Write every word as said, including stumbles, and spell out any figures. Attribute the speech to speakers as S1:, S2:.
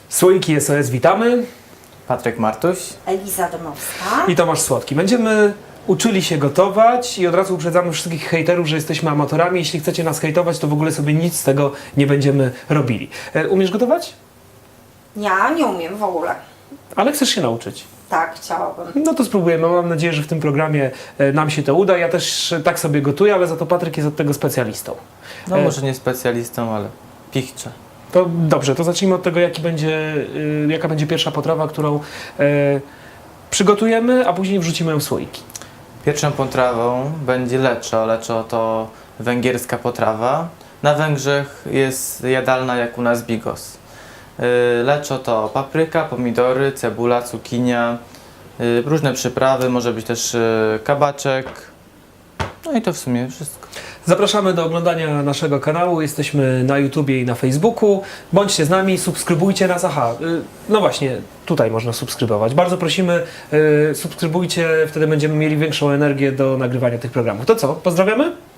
S1: Słoiki S O S, witamy.
S2: Patryk Martuś.
S3: Eliza Domowska.
S1: I Tomasz Słodki. Będziemy uczyli się gotować i od razu uprzedzamy wszystkich hejterów, że jesteśmy amatorami. Jeśli chcecie nas hejtować, to w ogóle sobie nic z tego nie będziemy robili. E, umiesz gotować?
S3: Ja nie umiem w ogóle.
S1: Ale chcesz się nauczyć.
S3: Tak, chciałabym.
S1: No to spróbujemy. Mam nadzieję, że w tym programie e, nam się to uda. Ja też e, tak sobie gotuję, ale za to Patryk jest od tego specjalistą.
S2: No
S1: E,
S2: może nie specjalistą, ale pichcze.
S1: To dobrze, to zacznijmy od tego, jaki będzie, y, jaka będzie pierwsza potrawa, którą e, przygotujemy, a później wrzucimy ją w słoiki.
S2: Pierwszą potrawą będzie leczo. Leczo to węgierska potrawa. Na Węgrzech jest jadalna jak u nas bigos. Yy, Leczo to papryka, pomidory, cebula, cukinia, yy, różne przyprawy, może być też yy, kabaczek. No i to w sumie wszystko.
S1: Zapraszamy do oglądania naszego kanału. Jesteśmy na YouTubie i na Facebooku. Bądźcie z nami, subskrybujcie nas. Aha, y, no właśnie, tutaj można subskrybować. Bardzo prosimy, y, subskrybujcie, wtedy będziemy mieli większą energię do nagrywania tych programów. To co, pozdrawiamy?